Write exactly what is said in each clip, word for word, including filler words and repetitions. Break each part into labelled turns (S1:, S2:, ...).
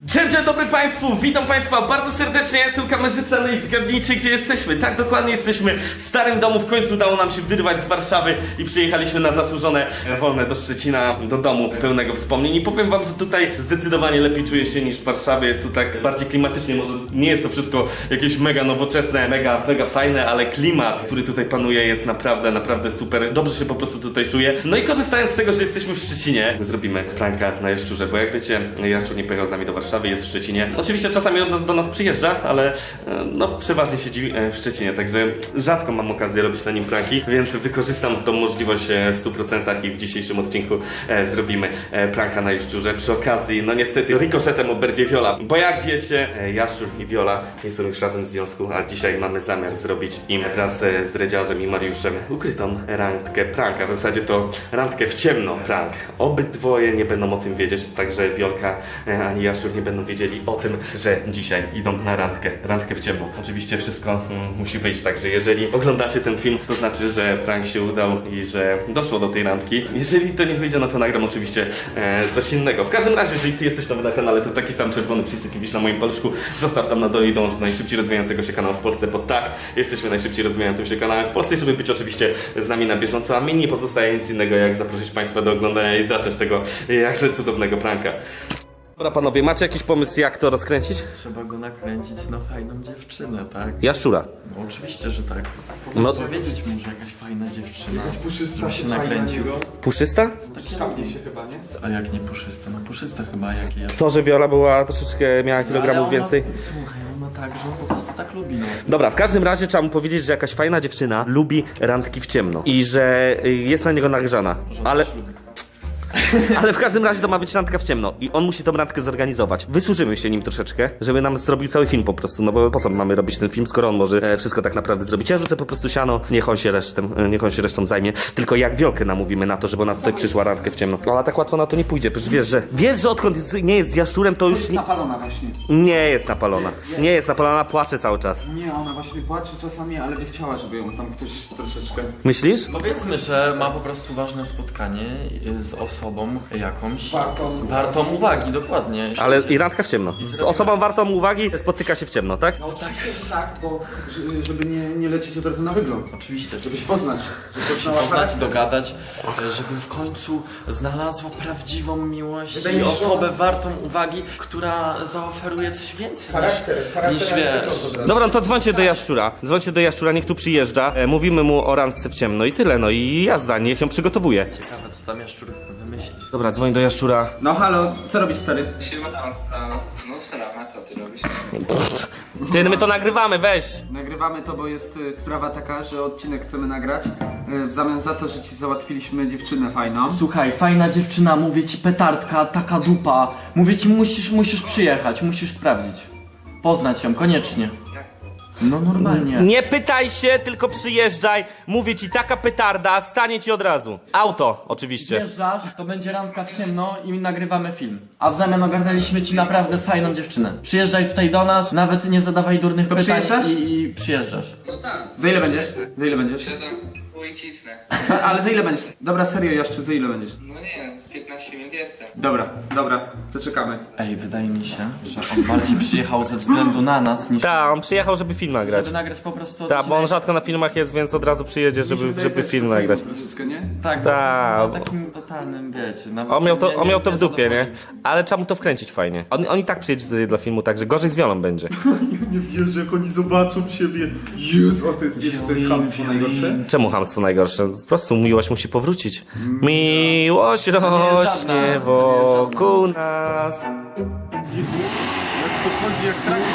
S1: Dzień, dzień dobry Państwu, witam Państwa bardzo serdecznie, ja jestem kamerzysta, no i zgadnijcie gdzie jesteśmy. Tak, dokładnie jesteśmy w starym domu, w końcu udało nam się wyrwać z Warszawy i przyjechaliśmy na zasłużone wolne do Szczecina, do domu pełnego wspomnień. I powiem Wam, że tutaj zdecydowanie lepiej czuję się niż w Warszawie, jest tu tak bardziej klimatycznie, może nie jest to wszystko jakieś mega nowoczesne, mega, mega fajne, ale klimat, który tutaj panuje jest naprawdę, naprawdę super, dobrze się po prostu tutaj czuję. No i korzystając z tego, że jesteśmy w Szczecinie, zrobimy pranka na Jaszczurze, bo jak wiecie, Jaszczur nie pojechał z nami do Warszawy, jest w Szczecinie. Oczywiście czasami do, do nas przyjeżdża, ale no przeważnie siedzi w Szczecinie, także rzadko mam okazję robić na nim pranki, więc wykorzystam tą możliwość w stu procentach i w dzisiejszym odcinku e, zrobimy e, pranka na Jaszczurze. Przy okazji, no niestety rikoszetem oberwie Viola, bo jak wiecie, e, Jaszczur i Viola nie są już razem w związku, a dzisiaj mamy zamiar zrobić im wraz z Dredziarzem i Mariuszem ukrytą randkę pranka. W zasadzie to randkę w ciemno prank. Obydwoje nie będą o tym wiedzieć, także Wiolka e, ani Jaszczur nie będą wiedzieli o tym, że dzisiaj idą na randkę, randkę w ciemno. Oczywiście wszystko mm, musi wyjść, także jeżeli oglądacie ten film, to znaczy, że prank się udał i że doszło do tej randki. Jeżeli to nie wyjdzie, no to nagram oczywiście e, coś innego. W każdym razie, jeżeli ty jesteś nowy na kanale, to taki sam czerwony przycisk widzisz na moim paluszku, zostaw tam na dole i dołącz do najszybciej rozwijającego się kanału w Polsce, bo tak, jesteśmy najszybciej rozwijającym się kanałem w Polsce i żeby być oczywiście z nami na bieżąco, a mi nie pozostaje nic innego, jak zaprosić Państwa do oglądania i zacząć tego jakże cudownego pranka. Dobra panowie, macie jakiś pomysł jak to rozkręcić?
S2: Trzeba go nakręcić na fajną dziewczynę, tak?
S1: Jaszczura.
S2: No, oczywiście, że tak.
S1: No-
S2: No powiedzieć mu, że jakaś fajna dziewczyna, żeby się nakręcił.
S1: Puszysta?
S3: Sztabnie się chyba, nie?
S2: A jak nie puszysta? No puszysta chyba, jak ja.
S1: To, że Viola była troszeczkę, miała
S2: Ale
S1: kilogramów
S2: ona-
S1: więcej.
S2: Słuchaj, on ma tak, że on po prostu tak lubi, no.
S1: Dobra, w każdym razie trzeba mu powiedzieć, że jakaś fajna dziewczyna lubi randki w ciemno i że y, jest na niego nagrzana,
S2: Że on
S1: ale...
S2: też lubi.
S1: Ale w każdym razie to ma być randka w ciemno i on musi tą randkę zorganizować. Wysłużymy się nim troszeczkę, żeby nam zrobił cały film po prostu, no bo po co mamy robić ten film, skoro on może e, wszystko tak naprawdę zrobić. Ja rzucę po prostu siano, niech on się resztą, e, niech on się resztą zajmie. Tylko jak Wiolkę namówimy na to, żeby ona tutaj przyszła randkę w ciemno. Ona tak łatwo na to nie pójdzie, przecież wiesz, że wiesz, że odkąd jest, nie jest z Jaszczurem, to już nie,
S3: Napalona właśnie.
S1: nie jest napalona. Nie jest napalona, płacze cały czas.
S3: Nie, ona właśnie płacze czasami, ale by chciała, żeby ją tam ktoś troszeczkę...
S1: Myślisz?
S2: Powiedzmy, że ma po prostu ważne spotkanie z osobą jakąś.
S3: Wartą.
S2: Wartą uwagi, dokładnie.
S1: Ale i randka w ciemno. Z osobą wartą uwagi spotyka się w ciemno, tak?
S3: No oczywiście, że tak, bo ż- żeby nie, nie lecieć od razu na wygląd.
S2: Oczywiście,
S3: Żeby się poznać. Żeby
S2: się
S3: poznała
S2: poznać,
S3: charakter.
S2: dogadać, żeby w końcu znalazła prawdziwą miłość
S3: Wydaje
S2: i
S3: mi się, że
S2: osobę
S3: ona-
S2: wartą uwagi, która zaoferuje coś więcej
S3: Charakter,
S2: niż,
S3: charakter
S2: niż
S3: jak
S2: wiesz.
S3: wygląd od razu.
S1: Dobra, no to dzwońcie do Jaszczura. Dzwońcie do Jaszczura, niech tu przyjeżdża. E, mówimy mu o randce w ciemno i tyle, no i jazda, niech ją przygotowuje.
S2: Ciekawe, co tam Jaszczur wymyśli.
S1: Dobra, dzwoń do Jaszczura.
S3: No halo, co robisz stary?
S4: Siemanko, no strama, co ty robisz?
S1: Ty, my to nagrywamy, weź!
S3: Nagrywamy to, bo jest y, sprawa taka, że odcinek chcemy nagrać y, w zamian za to, że ci załatwiliśmy dziewczynę fajną.
S2: Słuchaj, fajna dziewczyna, mówię ci petardka, taka dupa. Mówię ci, musisz, musisz przyjechać, musisz sprawdzić. Poznać ją, koniecznie. No normalnie.
S1: Nie pytaj się, tylko przyjeżdżaj. Mówię ci, taka petarda, stanie ci od razu. Auto, oczywiście.
S2: Przyjeżdżasz, to będzie randka w ciemno i nagrywamy film. A w zamian ogarnęliśmy ci naprawdę fajną dziewczynę. Przyjeżdżaj tutaj do nas, nawet nie zadawaj durnych
S3: To
S2: pytań
S3: przyjeżdżasz?
S2: i, i przyjeżdżasz.
S4: No tak,
S3: Za ile będziesz? Za ile będziesz?
S4: siadam i cisnę.
S3: Za, ale za ile będziesz? Dobra, serio Jaszczu, za ile będziesz?
S4: No nie, z piętnaście minut jestem.
S3: Dobra, dobra, to czekamy.
S2: Ej, wydaje mi się, że on bardziej przyjechał ze względu na nas niż...
S1: Tak, on przyjechał, żeby film nagrać.
S2: Żeby nagrać po prostu
S1: Tak, bo on
S2: odcinek.
S1: rzadko na filmach jest, więc od razu przyjedzie,
S3: Mi się
S1: żeby,
S3: wydaje,
S1: żeby
S3: że
S1: film
S3: to
S1: nagrać.
S3: Troszeczkę, nie?
S2: Tak,
S1: Tak.
S2: na takim totalnym, wiecie, nawet
S1: On miał
S2: się
S1: to,
S2: nie-
S1: on miał to
S2: nie
S1: w dupie, nie?
S2: zadowoli.
S1: Ale trzeba mu to wkręcić fajnie. On, on i tak przyjedzie tutaj dla filmu, także gorzej z Wiolą będzie.
S3: Nie wierzę, jak oni zobaczą siebie. Jezu, o to jest, wiesz, to jest chamstwo najgorsze.
S1: Czemu chamstwo najgorsze? Po prostu miłość musi powrócić. Miłość rośnie wokół nas.
S3: Jak to chodzi, jak tak?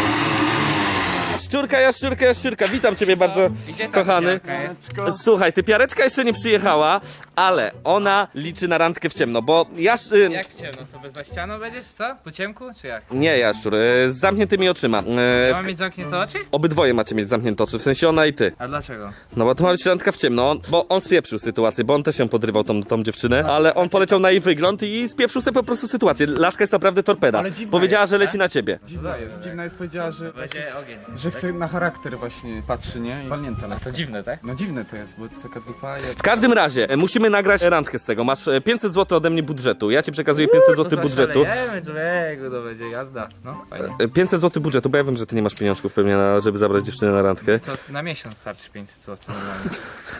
S1: Jaszczurka, Jaszczurka, Jaszczurka, witam ciebie bardzo,
S4: Gdzie ta
S1: kochany.
S4: pijarka jest?
S1: Słuchaj, ty piareczka jeszcze nie przyjechała, ale ona liczy na randkę w ciemno, bo Jasz... y,
S5: Jak w ciemno, to bez za ścianą będziesz, co? Po ciemku, czy jak?
S1: Nie, Jaszczur, y, z zamkniętymi oczyma. Y,
S5: Ja
S1: w-
S5: mam mieć zamknięte oczy?
S1: Obydwoje macie mieć zamknięte oczy, w sensie ona i ty.
S5: A dlaczego?
S1: No bo to ma być randka w ciemno, on, bo on spieprzył sytuację, bo on też ją podrywał, tą, tą dziewczynę, ale on poleciał na jej wygląd i spieprzył sobie po prostu sytuację. Laska jest naprawdę torpeda. Powiedziała, że leci na ciebie.
S5: To jest.
S6: Dziwna jest, powiedziała, że,
S5: Będzie ogień.
S6: że
S3: chce na charakter właśnie patrzy, nie? I walnięta
S5: A
S3: lekko.
S5: to dziwne, tak?
S3: No dziwne to jest, bo taka dupa jak...
S1: W każdym razie, e, musimy nagrać randkę z tego. Masz e, pięćset złotych ode mnie budżetu. Ja ci przekazuję pięćset złotych budżetu.
S5: Zaszalejemy, człowieku, to będzie jazda. No, fajnie.
S1: E, pięćset złotych budżetu, bo ja wiem, że ty nie masz pieniążków pewnie, na, żeby zabrać dziewczynę na randkę.
S5: To na miesiąc starczy pięćset złotych normalnie.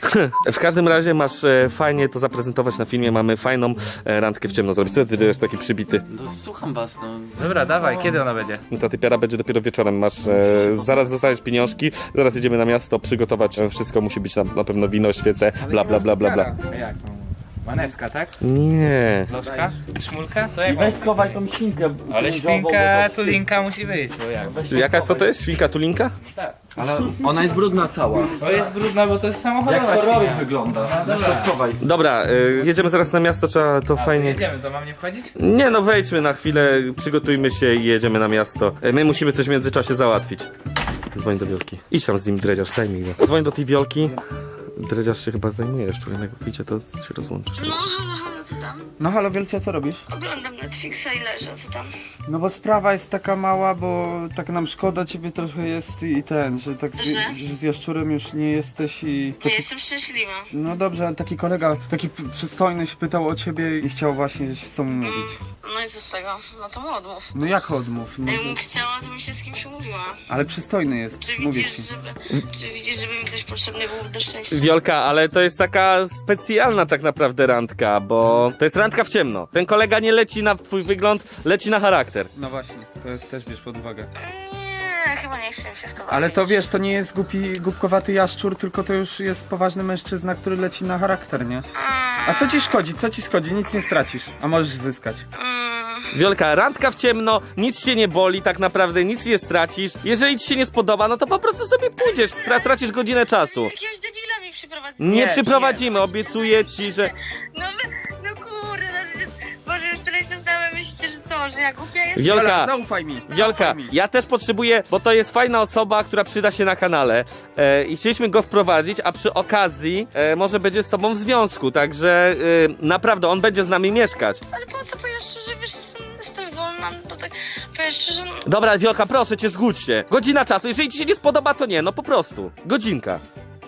S1: W każdym razie masz e, fajnie to zaprezentować na filmie. Mamy fajną e, randkę w ciemno zrobić. Co ty jesteś taki przybity?
S2: No, słucham was, no.
S5: Dobra, dawaj, kiedy ona będzie?
S1: Ta typiara będzie dopiero wieczorem. Masz, e, zaraz dostajesz pieniążki, zaraz jedziemy na miasto, przygotować e, wszystko. Musi być na, na pewno wino, świece, bla bla bla bla bla.
S5: A jak? No? Maneska, tak?
S1: Nie.
S5: Lożka? Szmulka? To
S2: I
S5: jak
S2: weź
S5: mam?
S2: schowaj tą świnkę.
S5: Ale
S2: kręciową,
S5: świnka,
S2: bo to-
S5: tulinka musi być, bo jak?
S1: Jaka co to jest? Świnka tulinka?
S5: Tak.
S2: Ale ona jest brudna cała.
S5: To jest brudna, bo to jest
S2: Jak
S5: samochodowa
S2: z horroru
S5: świnia.
S2: wygląda.
S5: No
S2: Weź
S5: dobra.
S2: to schowaj.
S1: Dobra, e, jedziemy zaraz na miasto, trzeba to
S5: A,
S1: fajnie...
S5: jedziemy, to mam nie wchodzić?
S1: Nie no, wejdźmy na chwilę, przygotujmy się i jedziemy na miasto. E, My musimy coś w międzyczasie załatwić. Dzwoń do Wiolki. Idź tam z nim, dredziarz, zajmij go. Dzwoń do tej Wiolki. Dredziarz się chyba zajmuje jeszcze, jak wyjdzie to się rozłączysz.
S6: No, halo, halo, co tam?
S3: No halo Wielcia, co robisz?
S6: Oglądam Netflixa i leżę, co tam?
S3: No bo sprawa jest taka mała, bo tak nam szkoda ciebie trochę jest i ten, że tak z,
S6: Że?
S3: że z Jaszczurem już nie jesteś i...
S6: Ja
S3: Taki,
S6: jestem szczęśliwa.
S3: no dobrze, ale taki kolega, taki p- przystojny się pytał o ciebie i chciał właśnie się z tobą mówić.
S6: No i co z tego? No to mu odmów.
S3: No jak odmów? No,
S6: Jakbym chciała, to bym się z kimś umówiła.
S3: ale przystojny jest,
S6: Czy
S3: mówię
S6: widzisz,
S3: ci.
S6: żeby, czy widzisz, żeby mi ktoś potrzebny był do szczęścia?
S1: Wiolka, ale to jest taka specjalna tak naprawdę randka, bo to jest randka w ciemno. Ten kolega nie leci na twój wygląd, leci na charakter.
S3: No właśnie, to jest też bierz pod uwagę.
S6: Nie, chyba nie chcę mi się w to bawić.
S3: Ale to wiesz, to nie jest głupi, głupkowaty jaszczur, tylko to już jest poważny mężczyzna, który leci na charakter, nie? A co ci szkodzi? Co ci szkodzi? Nic nie stracisz, a możesz zyskać.
S6: Mm,
S1: Wiolka, randka w ciemno, nic cię nie boli, tak naprawdę nic nie stracisz. Jeżeli ci się nie spodoba, no to po prostu sobie pójdziesz, stra- tracisz godzinę czasu.
S6: jakiegoś debila mi przyprowadzi.
S1: Nie przyprowadzimy, obiecuję ci, że...
S6: No wy, no kurde, no przecież, Boże, już tyle się znamy, myślicie, że co, że ja głupia jestem?
S1: Wiolka,
S3: Zaufaj mi.
S1: Wiolka,
S3: zaufaj mi.
S1: ja też potrzebuję, bo to jest fajna osoba, która przyda się na kanale e, i chcieliśmy go wprowadzić, a przy okazji e, może będzie z tobą w związku, także e, naprawdę on będzie z nami mieszkać.
S6: Ale po co, powiesz szczerze, wiesz, jestem wolna, no tak, powiesz szczerze, no...
S1: Dobra, Wiolka, proszę cię, zgódź się. Godzina czasu, jeżeli ci się nie spodoba, to nie, no po prostu. Godzinka.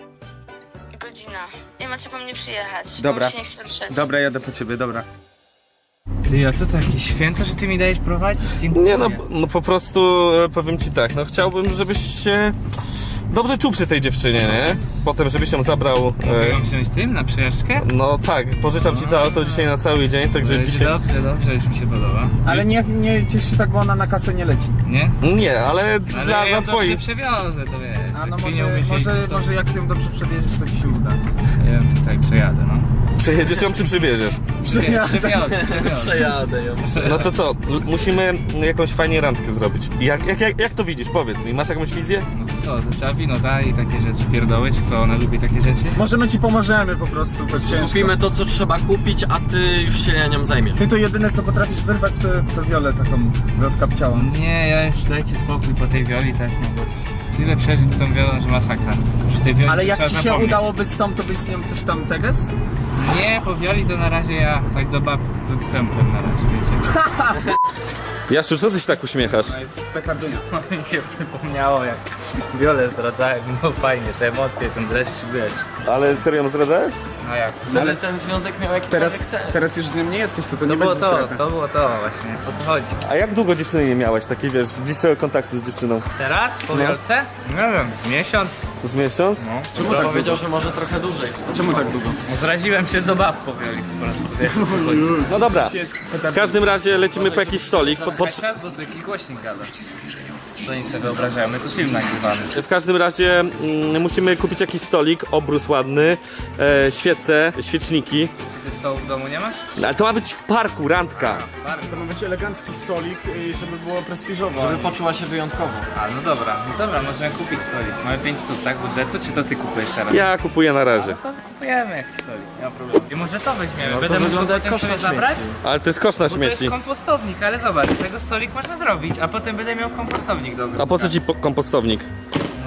S6: Godzina. Nie macie po mnie przyjechać.
S3: Dobra.
S6: Bo mi się nie chce ruszać.
S3: Dobra, jadę po ciebie, dobra.
S5: Ty, a co to jakieś święto, że ty mi dajesz prowadzić? Dziękuję.
S1: Nie no, no po prostu e, powiem ci tak, no chciałbym, żebyś się dobrze czuł przy tej dziewczynie, nie? Potem, żebyś ją zabrał...
S5: Mogę
S1: E,
S5: wziąć tym na przejażdżkę?
S1: no tak, pożyczam ci to auto dzisiaj na cały dzień, także
S5: Będzie
S1: dzisiaj...
S5: Dobrze, dobrze, już mi się podoba.
S3: Ale nie, nie ciesz się tak, bo ona na kasę nie leci.
S5: Nie?
S1: Nie, ale,
S5: Ale
S1: dla,
S5: ja
S1: dla
S5: ją dobrze
S1: twoich...
S5: przewiozę, to wiesz.
S3: A no
S5: jak
S3: może,
S5: pieniądze się
S3: może,
S5: to-
S3: może jak ją dobrze przebierzesz, to ci się uda.
S5: Ja ją tutaj przejadę, no.
S1: Przejedziesz ją czy przywieziesz?
S5: Przejadę. Przewiozę, przewiozę.
S2: Przejadę ją.
S1: No to co, l- musimy jakąś fajnie randkę zrobić. Jak, jak, jak, jak to widzisz? Powiedz mi, masz jakąś wizję?
S5: No to co, to trzeba wino dać i takie rzeczy pierdoły, czy co, ona lubi takie rzeczy?
S3: Może my ci pomożemy po prostu, bo ciężko.
S2: Kupimy to, co trzeba kupić, a ty już się nią zajmiesz.
S3: Ty to jedyne co potrafisz wyrwać, to, to Wiolę taką rozkapciałą.
S5: Nie, ja już dajcie spokój po tej Wioli też, no bo tyle przeżyć z tą Wiolą, że masakra. Że tej Wioli
S3: Ale jak
S5: trzeba
S3: ci się
S5: zapomnieć.
S3: udałoby z tą, to byś z nią coś tam teges?
S5: Nie, po Wioli to na razie ja tak do bab z odstępem na razie, wiecie.
S1: Jaszczu, co ty się tak uśmiechasz?
S3: To jest pekardunia.
S5: No mi się przypomniało, jak Wiolę zdradzałem, no fajnie, te emocje, ten dreszcz, wiesz.
S1: Ale serio ją zdradzałeś?
S5: No jak?
S2: Ale ten związek miał jakiś
S3: Teraz,
S2: sens.
S3: teraz już z nią nie jesteś, to to
S5: To
S3: nie
S5: było
S3: będzie
S5: to,
S3: strata.
S5: to było to właśnie, o to chodzi.
S1: A jak długo dziewczyny nie miałeś, takiej wiesz, bliższego kontaktu z dziewczyną?
S5: Teraz, po Wiolce? Nie wiem, z miesiąc?
S1: Z miesiąc?
S5: No.
S2: Czemu tak powiedział, że może trochę dłużej.
S3: Czemu tak długo?
S5: No, zraziłem się do bab po Wioli po prostu, wiesz, o co chodzi.
S1: No dobra, w każdym razie lecimy po jakiś stolik. Po, po,
S5: Czas, bo tu jakiś głośnik gada. To oni sobie wyobrażają, my tu film nagrywamy.
S1: w każdym razie mm, musimy kupić jakiś stolik, obrus ładny, e, świece, świeczniki.
S5: Ty stołu w domu nie masz?
S1: Ale to ma być w parku, randka.
S3: To ma być elegancki stolik, żeby było prestiżowo.
S2: Żeby poczuła się wyjątkowo.
S5: A, no dobra, no dobra, możemy kupić stolik. Mamy pięć stów, tak, budżetu, czy to ty kupujesz teraz?
S1: Ja kupuję na razie.
S5: To kupujemy jakiś stolik, nie ma problemu. I może to weźmiemy,
S2: No to
S5: będę mógł
S2: wygląda jak
S5: potem
S2: kosz
S5: sobie
S2: na
S5: zabrać?
S2: śmieci.
S1: Ale to jest kosz na
S5: Bo to jest
S1: śmieci.
S5: kompostownik, ale zobacz, tego stolik można zrobić, a potem będę miał kompostownik do ogródka.
S1: A po co ci po- kompostownik?
S5: No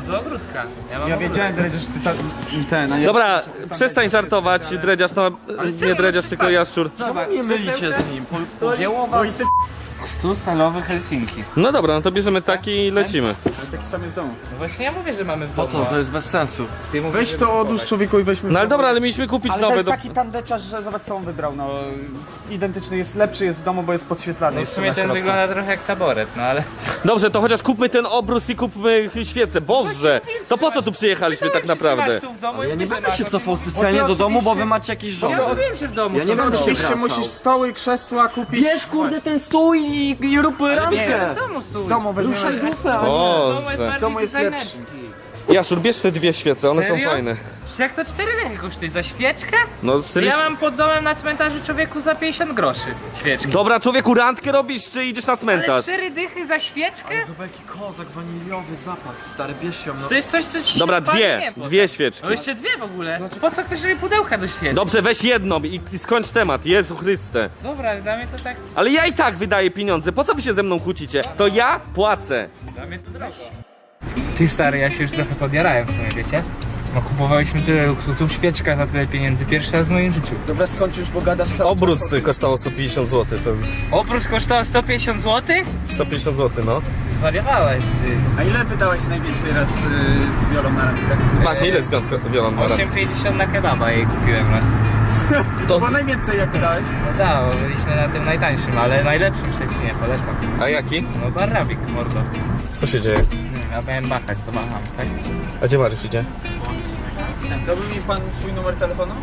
S5: No do ogródka. Ja, mam
S3: Ja
S5: ogródek.
S3: wiedziałem, Dredziarz, że ty ta, ten, a ja...
S1: Dobra, przestań żartować, dredziarz, no nie dredziarz, tylko jaszczur.
S5: Zobacz,
S2: Nie mylicie z nim, po- pogięło was.
S5: Stół stalowy Helsinki.
S1: No dobra, no to bierzemy taki i lecimy.
S3: Taki sam jest w domu.
S5: No właśnie ja mówię, że mamy w
S2: Po
S5: domu.
S2: to, to jest bez sensu.
S5: Ty mówisz,
S3: Weź
S5: żeby
S3: to
S5: kupować.
S3: odłóż człowieku i weźmy...
S1: No ale dobra, ale mieliśmy kupić
S3: Ale to
S1: nowe
S3: jest
S1: do...
S3: taki tandeciarz, że zobacz co on wybrał, no identyczny jest, lepszy jest w domu, bo jest podświetlany.
S5: No w
S3: jeszcze
S5: sumie
S3: na
S5: ten
S3: środku.
S5: wygląda trochę jak taboret, no ale...
S1: Dobrze, to chociaż kupmy ten obrus i kupmy świecę. Boże, to po co tu przyjechaliśmy tak naprawdę?
S5: Tu w domu
S2: Ale
S5: i
S2: ja nie
S5: mówię,
S2: będę
S5: że
S2: się
S5: masz,
S2: cofał
S5: no to-
S2: specjalnie
S5: no to
S2: do domu, bo wy
S5: oczywiście-
S2: macie jakieś
S5: Ja
S2: żony.
S5: mówiłem, że w domu
S2: Ja nie
S5: są
S2: będę
S5: domu.
S2: się
S3: Oczywiście
S2: wracał.
S3: musisz stoły, krzesła kupić.
S2: Bierz kurde ten stół i, i rób
S5: Nie,
S2: randkę.
S5: w domu stół.
S3: Z domu weźmiemy.
S2: Ruszaj dupę, a nie.
S1: Boże.
S5: W
S3: domu jest lepszy.
S1: Jaszczur, bierz te dwie świece, one są
S5: Serio?
S1: fajne.
S5: Jak to cztery dychy kosztuje? Za świeczkę?
S1: No cztery...
S5: Ja mam pod domem na cmentarzu człowieku za pięćdziesiąt groszy świeczki.
S1: Dobra, człowieku, randkę robisz, czy idziesz na
S5: Ale
S1: cmentarz?
S5: cztery dychy za świeczkę?
S2: Zobacz jaki kozak, waniliowy zapach, stary, bierz ją, no.
S5: To jest coś, co ci się
S1: Dobra,
S5: spali,
S1: dwie,
S5: nie, potem.
S1: dwie świeczki.
S5: No jeszcze dwie w ogóle. Po co ktoś robi pudełka do świeczki?
S1: Dobrze, weź jedną i, i skończ temat, Jezu Chryste.
S5: Dobra, ale dla mnie to tak...
S1: Ale ja i tak wydaję pieniądze, po co wy się ze mną kłócicie? To ja płacę.
S5: Dla mnie to drogo. Ty stary, ja się już trochę podjarałem w sumie, wiecie? No kupowaliśmy tyle luksusów, świeczka za tyle pieniędzy, pierwszy raz w moim życiu.
S3: Dobra, skończ już, bo gadasz cały
S1: Obrus kosztował sto pięćdziesiąt złotych, to jest
S5: Oprócz kosztował sto pięćdziesiąt złotych?
S1: sto pięćdziesiąt złotych, no.
S5: Zwariowałeś ty.
S3: A ile wydałeś najwięcej raz y, z Wiolą na randkę?
S1: Właśnie, ile zgąd Wiolan ma
S5: osiem pięćdziesiąt na kebaba jej kupiłem raz.
S1: To...
S3: Bo najwięcej jak wydałeś?
S5: No tak, bo byliśmy na tym najtańszym, ale najlepszym w Szczecinie, polecam.
S1: A jaki?
S5: No barrabik, mordo.
S1: Co się dzieje?
S5: Nie wiem, ja miałem machać, to macham, tak?
S1: A gdzie Mariusz idzie?
S3: Dałby mi pan swój numer telefonu?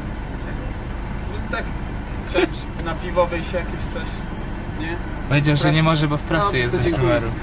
S3: Tak, chciałem na piwo wyjść jakieś coś, nie?
S5: Powiedział, że nie może, bo w pracy
S3: No,
S5: jest
S3: to
S5: bez
S3: dziękuję.
S5: numeru.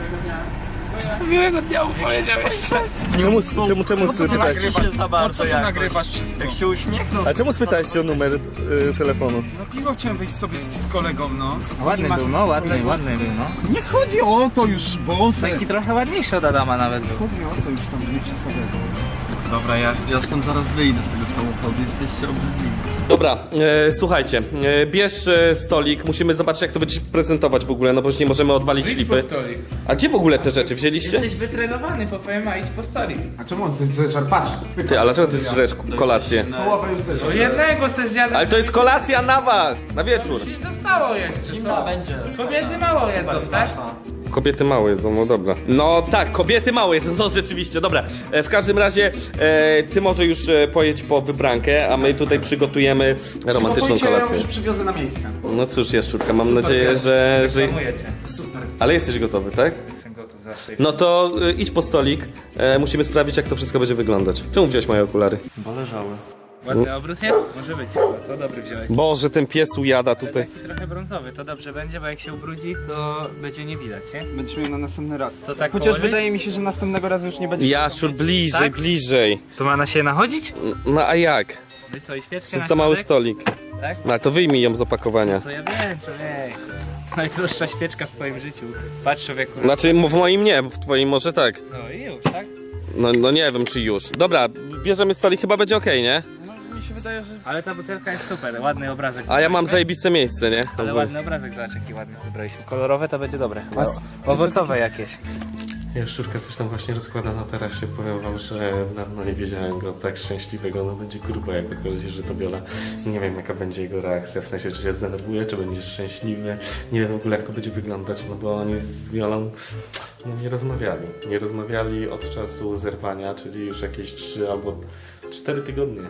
S5: Miłego dnia powiedział jeszcze.
S1: Czemu, czemu, czemu spytałeś?
S2: się za
S3: Po
S2: bardzo
S3: co ty
S2: jakoś.
S3: nagrywasz wszystko?
S2: Jak się uśmiechnął.
S1: A czemu spytałeś o numer y, telefonu?
S3: No piwo chciałem wyjść sobie z kolegą, no.
S5: Ładny
S3: Nie ma-
S5: był, no, ładny, ładny był, no.
S3: Nie chodzi o to już, bo...
S5: Taki trochę ładniejszy od Adama nawet był.
S3: Chodzi o to już tam, nie przesadę.
S2: Dobra, ja, ja stąd zaraz wyjdę z tego samochodu, jesteście obrzydliwi.
S1: Dobra, e, słuchajcie, e, bierz e, stolik, musimy zobaczyć jak to będziesz prezentować w ogóle, no bo już nie możemy odwalić lipy.
S5: stolik.
S1: A gdzie w ogóle te rzeczy wzięliście?
S5: Jesteś wytrenowany, po twojemu, a idź po stolik.
S3: A czemu on zeszar? Patrz.
S1: Ty, ale czego ty żresz kolację?
S3: Połowę już zeszar.
S5: O jednego se zjadł.
S1: Ale to jest kolacja na was, na wieczór.
S5: Dziś zostało jeszcze,
S2: Zimna
S5: co?
S2: będzie.
S5: Kobiety mało jedzą, tak?
S1: Kobiety małe jedzą, no dobra. No tak, kobiety małe jedzą, no rzeczywiście, dobra. E, w każdym razie e, ty może już e, pojedź po wybrankę, a my tutaj przygotujemy romantyczną
S3: Ja ją
S1: kolację.
S3: już przywiozę na miejsce.
S1: No cóż, Jaszczurka, mam nadzieję, że... że...
S5: Reklamuję cię.
S1: Ale jesteś gotowy, tak?
S5: Jestem gotów zawsze.
S1: No to y, idź po stolik, e, musimy sprawdzić jak to wszystko będzie wyglądać. Czemu wziąłeś moje okulary?
S2: Bo leżały.
S5: Ładny obrus jest? Może być chyba, co? Dobry wziąłeś.
S1: Boże, ten pies ujada tutaj.
S5: Taki trochę brązowy, to dobrze będzie, bo jak się ubrudzi, to będzie nie widać, nie?
S3: Będziesz miał na następny raz.
S5: To tak
S3: Chociaż
S5: położyć?
S3: wydaje mi się, że następnego razu już nie będzie.
S1: Jaszczur, bliżej,
S5: Tak?
S1: bliżej.
S5: To ma na się nachodzić?
S1: No a jak?
S5: No i co, i świeczkę
S1: To
S5: na
S1: jest za mały
S5: środek?
S1: stolik.
S5: Tak?
S1: No ale to wyjmij ją z opakowania.
S5: To ja wiem, człowiek. Najdroższa świeczka w twoim życiu. Patrz, człowieku.
S1: Znaczy w moim nie, w twoim może tak.
S5: No i już, tak?
S1: No, no nie wiem czy już. Dobra, bierzemy stolik, chyba będzie okej, nie?
S3: No, mi się wydaje, że...
S5: Ale ta butelka jest super, ładny obrazek.
S1: A ja mam
S5: wybraliśmy.
S1: zajebiste miejsce, nie?
S5: Ale ładny obrazek, zobacz jaki ładny wybraliśmy. Kolorowe to będzie dobre. Owocowe jakieś.
S1: Jaszczurka coś tam właśnie rozkłada na tarasie. Powiem wam, że dawno nie widziałem go tak szczęśliwego. No będzie grubo jak wychodzi, że to Viola. Nie wiem jaka będzie jego reakcja, w sensie czy się zdenerwuje, czy będzie szczęśliwy. Nie wiem w ogóle jak to będzie wyglądać, no bo oni z Violą no, nie rozmawiali. Nie rozmawiali od czasu zerwania, czyli już jakieś trzy albo cztery tygodnie.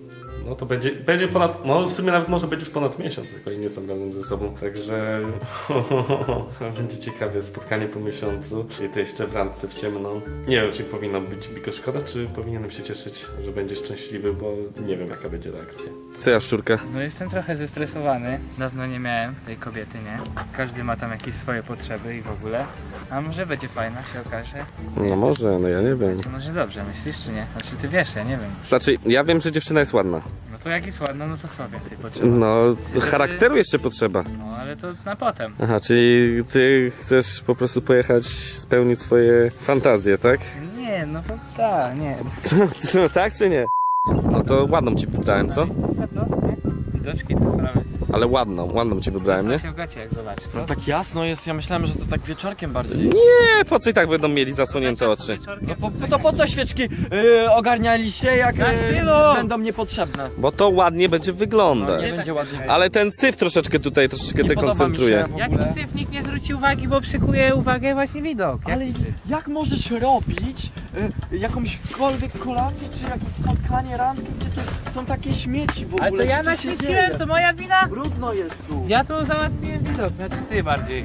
S1: No to będzie, będzie ponad, no w sumie nawet może być już ponad miesiąc, jak oni nie są razem ze sobą. Także będzie ciekawe spotkanie po miesiącu i to jeszcze w randce w ciemno. Nie wiem, czy powinno być mi go szkoda, czy powinienem się cieszyć, że będzie szczęśliwy, bo nie wiem jaka będzie reakcja. Co ja szczurka?
S5: No jestem trochę zestresowany. Dawno nie miałem tej kobiety, nie? Każdy ma tam jakieś swoje potrzeby i w ogóle. A może będzie fajna, się okaże.
S1: No może, no ja nie wiem.
S5: To może dobrze, myślisz czy nie? Znaczy ty wiesz, ja nie wiem.
S1: Znaczy, ja wiem, że dziewczyna jest ładna.
S5: No to jak jest ładna, no to co więcej potrzeba.
S1: No, charakteru jeszcze potrzeba.
S5: No ale to na potem.
S1: Aha, czyli ty chcesz po prostu pojechać, spełnić swoje fantazje, tak?
S5: Nie, no to tak, nie.
S1: No tak czy nie? No to ładną ci wybrałem, co?
S5: A co? Nie? Widoczki to sprawy.
S1: Ale ładną, ładną cię wybrałem, nie?
S5: się w gacie jak zobaczysz, co?
S2: No tak jasno jest, ja myślałem, że to tak wieczorkiem bardziej.
S1: Nie, po co i tak będą mieli zasłonięte oczy?
S2: No po, to po co świeczki yy, ogarnialiście, jak
S5: Na
S2: yy,
S5: stylu!
S2: będą niepotrzebne?
S1: Bo to ładnie będzie
S2: No,
S1: wyglądać.
S2: nie będzie ładnie.
S1: Ale ten syf troszeczkę tutaj troszeczkę
S2: Nie podoba mi
S1: dekoncentruje.
S2: się w
S5: Jaki
S2: ogóle.
S5: syf, nikt nie zwróci uwagi, bo przykuje uwagę właśnie widok. Jak
S2: Ale jak możesz robić y, jakąśkolwiek kolację, czy jakieś spotkanie, randkę, gdzie tu są takie śmieci w ogóle?
S5: Ale to ja
S2: Co tu się
S5: naświeciłem,
S2: dzieje?
S5: to moja wina?
S2: Brudno jest tu.
S5: Ja tu załatwiłem widok, znaczy ty bardziej.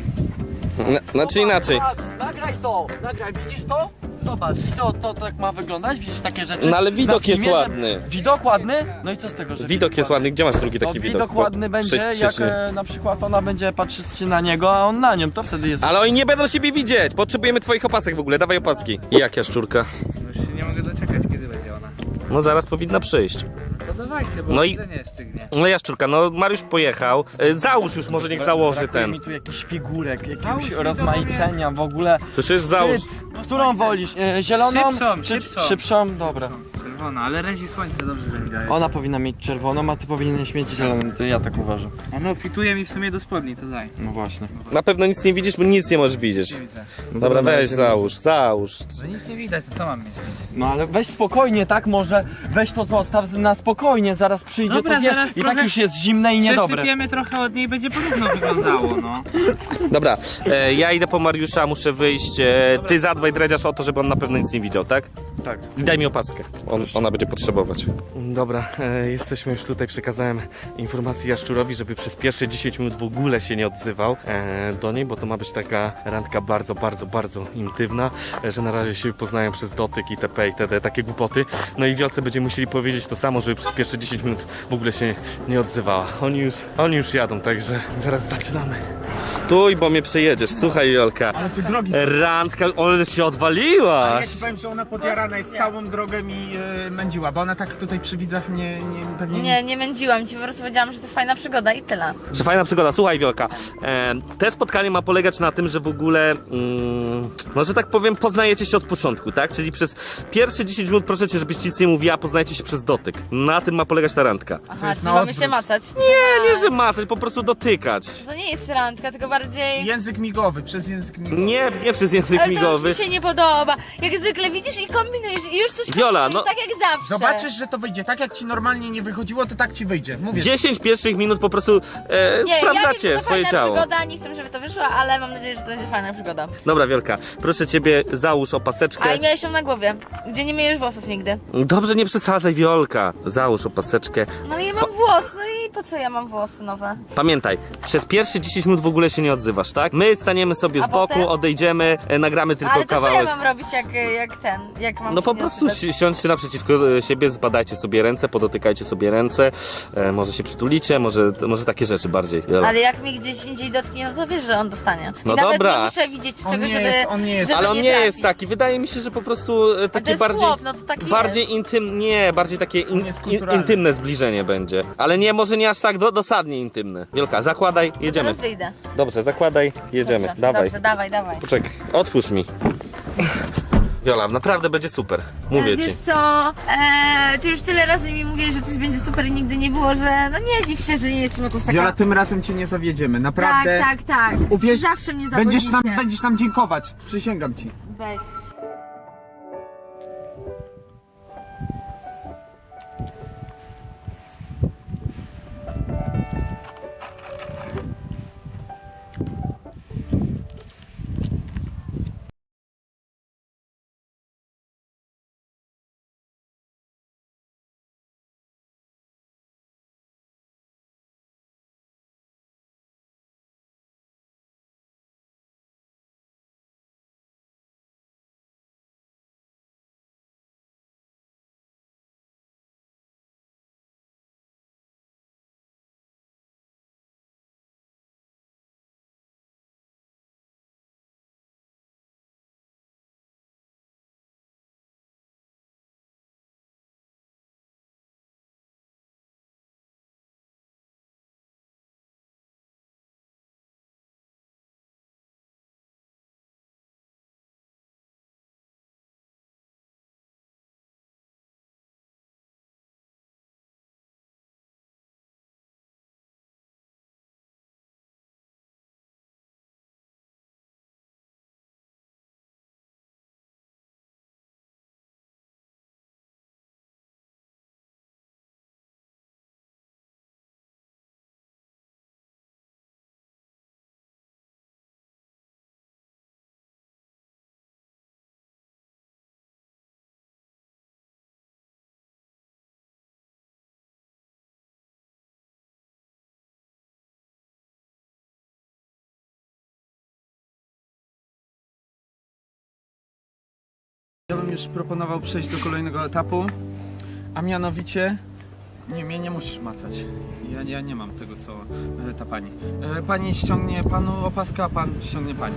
S1: N- Znaczy inaczej.
S2: Patrz, nagraj to, nagraj, widzisz to? Zobacz, i to, to tak ma wyglądać, widzisz takie rzeczy?
S1: No ale widok
S2: Na filmie,
S1: jest
S2: że-
S1: ładny.
S2: Widok ładny? No i co z tego, że
S1: Widok jest ładny. Gdzie masz drugi
S2: No,
S1: taki widok?
S2: widok ładny będzie,
S1: Przy-
S2: jak
S1: przyszły.
S2: e, na przykład ona będzie patrzeć na niego, a on na nią, to wtedy jest...
S1: Ale oni nie będą siebie widzieć. Potrzebujemy twoich opasek w ogóle. Dawaj opaski. I jak jaszczurka?
S5: No już się nie mogę doczekać, kiedy będzie ona.
S1: No zaraz powinna przyjść.
S5: To dawajcie, bo
S1: No
S5: no
S1: i-
S5: jedzenie stygnie.
S1: No jaszczurka, no Mariusz pojechał. E, Załóż już, może niech założy
S2: Brakuje
S1: ten.
S2: mi tu jakichś figurek,
S5: Załóż
S2: jakiegoś
S5: mi to,
S2: rozmaicenia w ogóle.
S1: Słyszysz? Załóż.
S2: Ty, którą wolisz? E, zieloną?
S5: Szybszą,
S2: czy,
S5: szybszą.
S2: szybszą? Dobra.
S5: Czerwona, ale razi słońce dobrze, że mi daje.
S2: Ona powinna mieć czerwoną, a ty powinieneś mieć zieloną, to ja tak uważam.
S5: A no, fituje mi w sumie do spodni, to daj.
S2: No właśnie.
S1: Na pewno nic nie widzisz, bo nic nie możesz widzieć.
S5: Nie widzę.
S1: Dobra, weź załóż, załóż.
S5: No nic nie widać, to co mam mieć?
S2: No ale weź spokojnie, tak? Może weź to zostaw na spokojnie, zaraz przyjdzie,
S5: Dobra,
S2: to zjesz.
S5: zaraz
S2: I tak
S5: trochę
S2: już jest zimne i niedobre.
S5: Przesypiemy trochę od niej, będzie porówno wyglądało, no.
S1: Dobra, e, ja idę po Mariusza, muszę wyjść. E, ty zadbaj, dredziarz, o to, żeby on na pewno nic nie widział, tak?
S2: Tak.
S1: I daj mi opaskę. On, ona będzie potrzebować. Dobra, e, jesteśmy już tutaj. Przekazałem informację Jaszczurowi, żeby przez pierwsze dziesięć minut w ogóle się nie odzywał e, do niej, bo to ma być taka randka bardzo, bardzo, bardzo intymna, e, że na razie się poznają przez dotyk itp. itd. Takie głupoty. No i Wiolce będziemy musieli powiedzieć to samo, żeby przez pierwsze dziesięć minut w ogóle się nie odzywała. Oni już, oni już jadą, także zaraz zaczynamy. Stój, bo mnie przejedziesz. Słuchaj, Jolka.
S3: Ale ty drogi
S1: Randka, ale się
S3: Ja
S1: odwaliłaś.
S3: ci powiem, że ona podjarana jest całą drogę mi e, mędziła, bo ona tak tutaj przy widzach nie, nie pewnie
S6: Nie, nie mędziłam ci, po prostu powiedziałam, że to fajna przygoda i tyle.
S1: Że fajna przygoda. Słuchaj, Wiolka, e, te spotkanie ma polegać na tym, że w ogóle, mm, no że tak powiem, poznajecie się od początku, tak? Czyli przez pierwsze dziesięć minut proszę cię, żebyś nic nie mówiła, poznajecie się przez dotyk. Na tym ma polegać ta randka.
S6: Aha,
S3: jest
S6: czyli
S3: na
S6: mamy
S3: odwrót.
S6: się macać.
S1: Nie, nie, że macać, po prostu dotykać.
S6: To nie jest randka, tylko bardziej...
S3: Język migowy, przez język migowy.
S1: Nie, nie przez język
S6: Ale to
S1: migowy.
S6: już mi się nie podoba. Jak zwykle widzisz i kombinujesz i już coś
S1: Wiola,
S6: kombinujesz,
S1: no-
S6: tak jak zawsze.
S3: Zobaczysz, że to wyjdzie. Tak jak ci normalnie nie wychodziło, to tak ci wyjdzie. Mówię.
S1: dziesięć pierwszych minut po prostu e,
S6: Nie, ja
S1: sprawdzacie
S6: wiem, że to
S1: swoje
S6: fajna
S1: ciało.
S6: przygoda, nie chcę, żeby to wyszło, ale mam nadzieję, że to będzie fajna przygoda.
S1: Dobra, Wiolka, proszę ciebie, załóż opaseczkę.
S6: A i miałeś ją na głowie, gdzie nie myjesz włosów nigdy.
S1: Dobrze, nie przesadzaj, Wiolka. Załóż opaseczkę.
S6: No ale ja mam włos, no i po co ja mam włosy nowe?
S1: Pamiętaj, przez pierwsze dziesięć minut w ogóle się nie odzywasz, tak? My staniemy sobie
S6: A
S1: z boku,
S6: potem?
S1: odejdziemy, e, nagramy tylko
S6: Ale to co
S1: kawałek.
S6: ja mam robić jak, jak ten, jak mam
S1: No
S6: się
S1: po
S6: nie
S1: prostu
S6: odzywać?
S1: si- siądźcie naprzeciwko e, siebie, zbadajcie sobie ręce, podotykajcie sobie ręce, e, może się przytulicie, może, może takie rzeczy bardziej. Jola.
S6: Ale jak mi gdzieś indziej dotknie, no to wiesz, że on dostanie. I
S1: No
S6: nawet
S1: dobra.
S6: nie muszę widzieć
S3: On
S6: czegoś,
S3: nie
S6: żeby,
S3: jest- on nie jest-
S6: żeby
S1: Ale on nie
S6: trafić.
S1: jest taki, wydaje mi się, że po prostu e,
S6: A to
S1: takie
S6: jest
S1: bardziej...
S6: chłop, no to taki
S1: Bardziej
S6: jest.
S1: intym, nie, bardziej takie in,
S3: On jest
S1: in,
S3: kulturalny.
S1: intymne zbliżenie będzie. Ale nie, może nie aż tak do, dosadnie intymne. Wielka, zakładaj, jedziemy.
S6: Teraz wyjdę.
S1: Dobrze, zakładaj, jedziemy.
S6: Dobrze,
S1: Dawaj.
S6: Dobrze, dawaj, dawaj.
S1: Poczekaj, otwórz mi. Wiola, naprawdę będzie super. Mówię
S6: Wiesz
S1: ci.
S6: co, eee, ty już tyle razy mi mówisz, że coś będzie super i nigdy nie było, że no nie dziw się, że nie jestem jakąś
S3: Wiola,
S6: taka...
S3: tym razem cię nie zawiedziemy, naprawdę.
S6: Tak, tak, tak.
S3: Uwierz,
S6: Zawsze mnie
S3: będziesz nam,
S6: zawodzicie.
S3: będziesz nam dziękować, przysięgam ci.
S6: Weź.
S3: już proponował przejść do kolejnego etapu, a mianowicie... Nie, mnie nie musisz macać. Ja, ja nie mam tego, co e, ta pani. E, pani ściągnie panu opaskę, a pan ściągnie pani.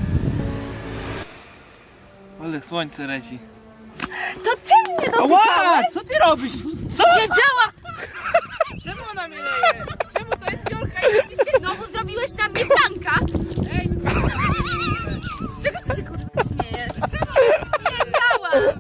S5: Ale słońce leci.
S6: To ty mnie dotykałeś?
S5: Co ty robisz?
S6: Wiedziałam!
S5: Czemu ona mnie leje? Czemu to jest dziurka i jakiś...
S6: Znowu zrobiłeś na mnie pranka!
S5: Ej,
S6: Z czego ty się kurwa śmiejesz? Wiedziałam!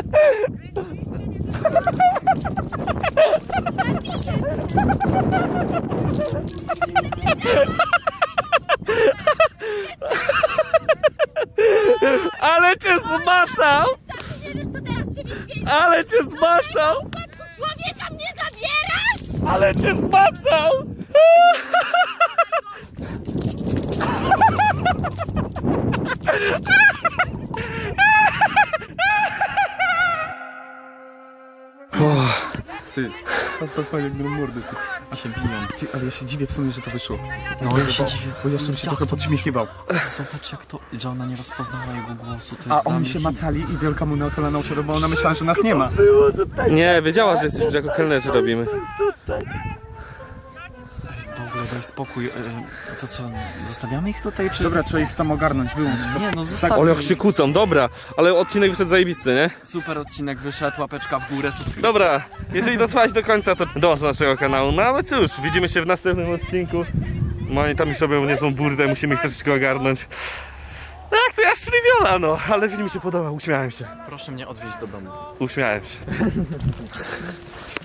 S1: Ale cię zmacał!
S6: Nie wiesz, co teraz się mi zmieni?
S1: Ale cię zmacał!
S6: Człowieka mnie zabierasz?
S1: Ale cię zmacał!
S3: Ty, pan jak będą mordy, ty. A się biją. Ty, ale ja się dziwię w sumie, że to wyszło.
S2: No ja się dziwię.
S3: Bo jeszcze bym się trochę podśmiechiwał.
S2: Zobacz jak to, że ona nie rozpoznała jego głosu. To
S3: A
S2: jest dla
S3: oni
S2: mnie
S3: się
S2: hit.
S3: macali i Wielka mu na kolana usiadła, bo ona myślała, że nas nie ma.
S1: Nie, wiedziała, że jesteśmy jako kelnerzy robimy.
S2: Dobra, daj spokój. E, to co, zostawiamy ich tutaj, czy...
S3: Dobra, trzeba ich tam ogarnąć, wyłącz.
S2: Nie no, zostawmy
S1: Ale jak
S2: ich.
S1: się kłócą, dobra. Ale odcinek wyszedł zajebisty, nie?
S2: Super odcinek wyszedł, łapeczka w górę, subskrypcja.
S1: Dobra, jeżeli dotrwałeś do końca, to dąż do naszego kanału. No ale cóż, widzimy się w następnym odcinku. No oni tam już robią niezłą burdę, musimy ich troszeczkę ogarnąć. Tak, to ja Szriviola, no, ale film mi się podobał, uśmiałem się.
S2: Proszę mnie odwieźć do domu.
S1: Uśmiałem się.